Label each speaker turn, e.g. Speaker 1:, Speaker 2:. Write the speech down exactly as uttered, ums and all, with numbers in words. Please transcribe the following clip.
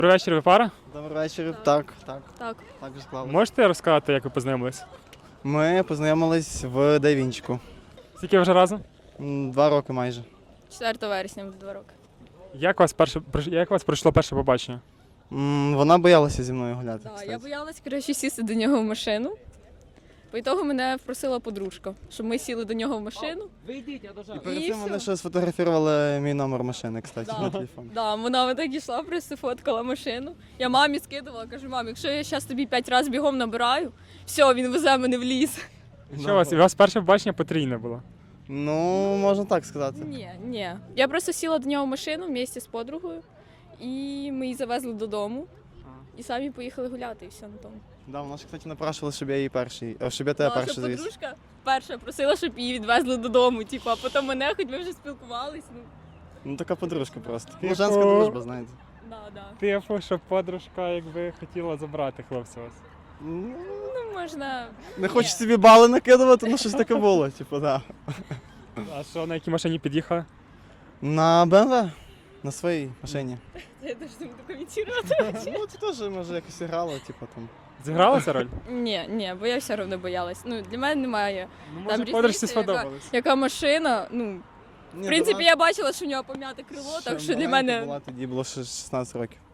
Speaker 1: Добрий вечір, ви пара?
Speaker 2: Добрий вечір. Так, так.
Speaker 3: Так.
Speaker 2: Так вже склалося.
Speaker 1: Можете розказати, як ви познайомились?
Speaker 2: Ми познайомились в Давінчику.
Speaker 1: Скільки ви вже разом?
Speaker 2: М, Два роки майже.
Speaker 3: четвертого вересня буде два роки.
Speaker 1: Як у вас перше пройш- як у вас пройшло перше побачення?
Speaker 2: М, Вона боялася зі мною гуляти.
Speaker 3: Да,
Speaker 2: кстати.
Speaker 3: я боялась, коротше, сісти до нього в машину. По ітогу мене просила подружка, щоб ми сіли до нього в машину.
Speaker 2: І перед
Speaker 3: І
Speaker 2: цим
Speaker 3: всьо.
Speaker 2: вони ще сфотографували мій номер машини, кстати,
Speaker 3: Да.
Speaker 2: на телефон.
Speaker 3: Да, вона отак йшла, просто фоткала машину. Я мамі скидувала, кажу, мам, якщо я зараз тобі п'ять разів бігом набираю, все, він везе мене в ліс.
Speaker 1: Що у вас? У вас перше побачення потрійне було?
Speaker 2: Ну, можна так сказати.
Speaker 3: Ні, ні. Я просто сіла до нього в машину вместе з подругою, і ми її завезли додому. І самі поїхали гуляти, і все на тому.
Speaker 2: Да, вона ж, кстати, напрашувала, щоб я її перший, а, щоб я тебе
Speaker 3: Да,
Speaker 2: перший
Speaker 3: що
Speaker 2: завіз.
Speaker 3: подружка перша просила, щоб її відвезли додому, типу, а потім мене, хоч ми вже спілкувались. Ну,
Speaker 2: Ну, така подружка просто. Ну,
Speaker 1: Типу-
Speaker 2: женська дружба, знаєте.
Speaker 3: да, да.
Speaker 1: Типу, що подружка якби хотіла забрати хлопця вас.
Speaker 2: Ну,
Speaker 3: Ну, можна.
Speaker 2: не хочу собі бали накидувати, ну щось таке було, типу, да.
Speaker 1: А що, на якій машині під'їхала?
Speaker 2: На Б М В? На своїй машині.
Speaker 3: Я теж не буду коментувати.
Speaker 2: Ну, це теж, може, якось грало, типу, там.
Speaker 1: Зіграла ця роль?
Speaker 3: Ні, ні, бо я все одно боялась. Ну, для мене немає.
Speaker 1: Ну,
Speaker 3: Там
Speaker 1: може, подружці
Speaker 3: різниця, яка-
Speaker 1: сподобалось.
Speaker 3: Яка машина, ну, в принципі, я бачила, що в нього пом'яте крило, так що для мене.
Speaker 2: Була, тоді було ще шістнадцять років.